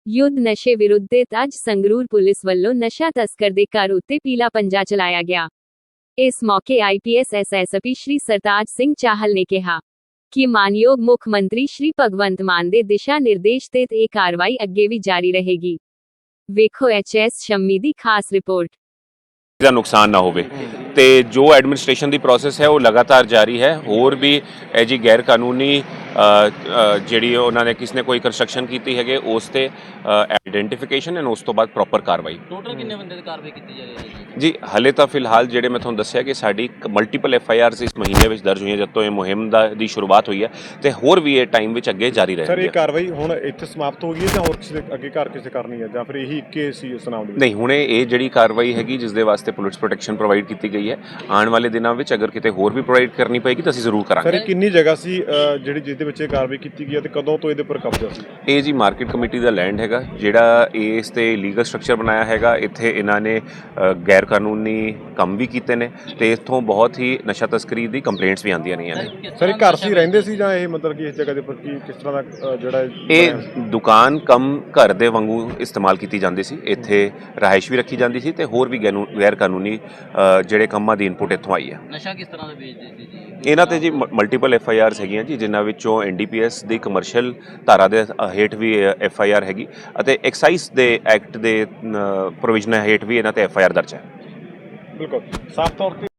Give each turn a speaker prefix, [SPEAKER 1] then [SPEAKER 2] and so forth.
[SPEAKER 1] युद्ध नशे विरुद्ध ते अज संगरूर पुलिस ਵੱਲੋਂ नशा तस्कर ਦੇ ਘਰ ਉੱਤੇ ਪੀਲਾ ਪੰਜਾ ਚਲਾਇਆ ਗਿਆ। ਇਸ ਮੌਕੇ IPS SSP श्री सरताज सिंह चाहल ने कहा कि मानयोग मुख मंत्री श्री भगवंत मान ਦੇ ਦਿਸ਼ਾ ਨਿਰਦੇਸ਼ ਤੇ ਇਹ ਕਾਰਵਾਈ ਅੱਗੇ ਵੀ ਜਾਰੀ ਰਹੇਗੀ। ਵੇਖੋ HS ਸ਼ੰਮੀ ਦੀ ਖਾਸ ਰਿਪੋर्ट।
[SPEAKER 2] ਦਾ ਨੁਕਸਾਨ ਨਾ ਹੋਵੇ ਤੇ ਜੋ ਐਡਮਿਨਿਸਟ੍ਰੇਸ਼ਨ ਦੀ ਪ੍ਰੋਸੈਸ ਹੈ ਉਹ ਲਗਾਤਾਰ ਜਾਰੀ ਹੈ। ਹੋਰ ਵੀ ਇਹ ਜੀ ਗੈਰ ਕਾਨੂੰਨੀ ਜਿਹੜੀ ਉਹਨਾਂ ਨੇ ਕਿਸ ਨੇ ਕੋਈ ਕੰਸਟਰਕਸ਼ਨ ਕੀਤੀ ਹੈਗੇ ਉਸ ਤੇ ਆਈਡੈਂਟੀਫਿਕੇਸ਼ਨ ਐਂਡ ਉਸ ਤੋਂ ਬਾਅਦ ਪ੍ਰੋਪਰ ਕਾਰਵਾਈ।
[SPEAKER 3] ਟੋਟਲ ਕਿੰਨੇ ਬੰਦੇ ਦੀ ਕਾਰਵਾਈ ਕੀਤੀ ਜਾ ਰਹੀ ਹੈ
[SPEAKER 2] ਜੀ ਹਲੇ ਤਾਂ ਫਿਲਹਾਲ ਜਿਹੜੇ ਮੈਂ ਤੁਹਾਨੂੰ ਦੱਸਿਆ ਕਿ ਸਾਡੀ ਮਲਟੀਪਲ FIRs ਇਸ ਮਹੀਨੇ ਵਿੱਚ ਦਰਜ ਹੋਈਆਂ ਜਦ ਤੋਂ ਇਹ ਮੁਹਿੰਮ ਦੀ ਸ਼ੁਰੂਆਤ ਹੋਈ ਹੈ ਤੇ ਹੋਰ ਵੀ ਇਹ ਟਾਈਮ ਵਿੱਚ ਅੱਗੇ ਜਾਰੀ ਰਹੇਗੀ।
[SPEAKER 4] ਸਰ ਇਹ ਕਾਰਵਾਈ ਹੁਣ ਇੱਥੇ ਸਮਾਪਤ ਹੋ ਗਈ ਹੈ ਜਾਂ ਹੋਰ ਕਿਸੇ ਅੱਗੇ ਘਰ ਕਿਸੇ ਕਰਨੀ ਹੈ ਜਾਂ ਫਿਰ ਇਹੀ ਇੱਕੇ ਸੀ ਇਸ ਨਾਮ ਦੇ?
[SPEAKER 2] ਨਹੀਂ, ਹੁਣੇ ਇਹ ਜਿਹੜੀ ਕਾਰਵਾਈ ਹੈਗੀ ਜਿਸ ਦੇ ਵਾਸਤੇ ਪੁਲਿਸ ਪ੍ਰੋਟੈਕਸ਼ਨ ਪ੍ਰੋਵਾਈਡ ਕੀਤੀ ਗਈ ਹੈ, ਆਉਣ ਵਾਲੇ ਦਿਨਾਂ ਵਿੱਚ ਅਗਰ ਕਿਤੇ ਹੋਰ ਵੀ ਪ੍ਰੋਵਾਈਡ ਕਰਨੀ ਪਏਗੀ ਤਾਂ ਅਸੀਂ ਜ਼ਰੂਰ ਕਰਾਂਗੇ।
[SPEAKER 4] ਸਰ ਇਹ ਕਿੰਨੀ ਜਗ੍ਹਾ ਸੀ ਜਿਹੜੀ ਜਿਸ ਦੇ ਵਿੱਚ ਇਹ ਕਾਰਵਾਈ ਕੀਤੀ ਗਈ ਹੈ ਤੇ ਕਦੋਂ ਤੋਂ ਇਹਦੇ ਉੱਪਰ ਕਬਜ਼ਾ ਸੀ?
[SPEAKER 2] ਇਹ ਜੀ ਮਾਰਕੀਟ ਕਮੇਟੀ ਦਾ ਲੈਂਡ ਹੈਗਾ ਜਿਹੜਾ ਇਸ ਤੇ ਲੀਗਲ ਸਟਰਕਚਰ ਬਣਾਇਆ ਹੈਗਾ। ਇੱਥੇ ਇਹਨਾਂ ਨੇ ਗੈਰ ਕਾਨੂੰਨੀ ਕੰਮ ਵੀ ਕੀਤੇ ਨੇ ਤੇ ਇੱਥੋਂ ਬਹੁਤ ਹੀ ਨਸ਼ਾ ਤਸਕਰੀ ਦੀ ਕੰਪਲੇਂਟਸ ਵੀ ਆਉਂਦੀਆਂ ਰਹੀਆਂ ਨੇ।
[SPEAKER 4] ਸਰ ਇਹ ਘਰ ਸੀ ਰਹਿੰਦੇ ਸੀ ਜਾਂ ਇਹ ਮਤਲਬ ਕਿ ਇਸ ਜਗ੍ਹਾ ਦੇ ਉੱਪਰ ਕਿਸ ਤਰ੍ਹਾਂ ਦਾ ਜਿਹੜਾ
[SPEAKER 2] ਇਹ ਦੁਕਾਨ ਕਮ ਘਰ ਦੇ ਵਾਂਗੂ ਇਸਤੇਮਾਲ ਕੀਤੀ ਜਾਂਦੀ ਸੀ। ਇੱਥੇ ਰਿਹਾਇਸ਼ ਵੀ ਰੱਖੀ ਜਾਂਦੀ ਸੀ ਤੇ ਹੋਰ ਵੀ ਗੈਰ ਕਾਨੂੰਨੀ ਜਿਹੜੇ ਕੰਮਾਂ ਦੀ ਇਨਪੁਟ ਇੱਥੋਂ ਆਈ ਹੈ।
[SPEAKER 3] ਨਸ਼ਾ ਕਿਸ ਤਰ੍ਹਾਂ ਦਾ ਵੇਚਦੇ ਸੀ ਜੀ?
[SPEAKER 2] ਇਹਨਾਂ ਤੇ ਜੀ ਮਲਟੀਪਲ FIRs ਹੈਗੀਆਂ ਜੀ, ਜਿਨ੍ਹਾਂ ਵਿੱਚੋਂ NDPS ਦੀ ਕਮਰਸ਼ੀਅਲ ਧਾਰਾ ਦੇ ਹੇਠ ਵੀ FIR ਹੈਗੀ ਅਤੇ ਐਕਸਾਈਜ਼ ਦੇ ਐਕਟ ਦੇ ਪ੍ਰੋਵੀਜ਼ਨ ਹੇਠ ਵੀ ਇਹਨਾਂ ਤੇ FIR ਦਰਜ ਹੈ।
[SPEAKER 4] ਬਿਲਕੁਲ ਸਾਫ਼ ਤੌਰ ਤੇ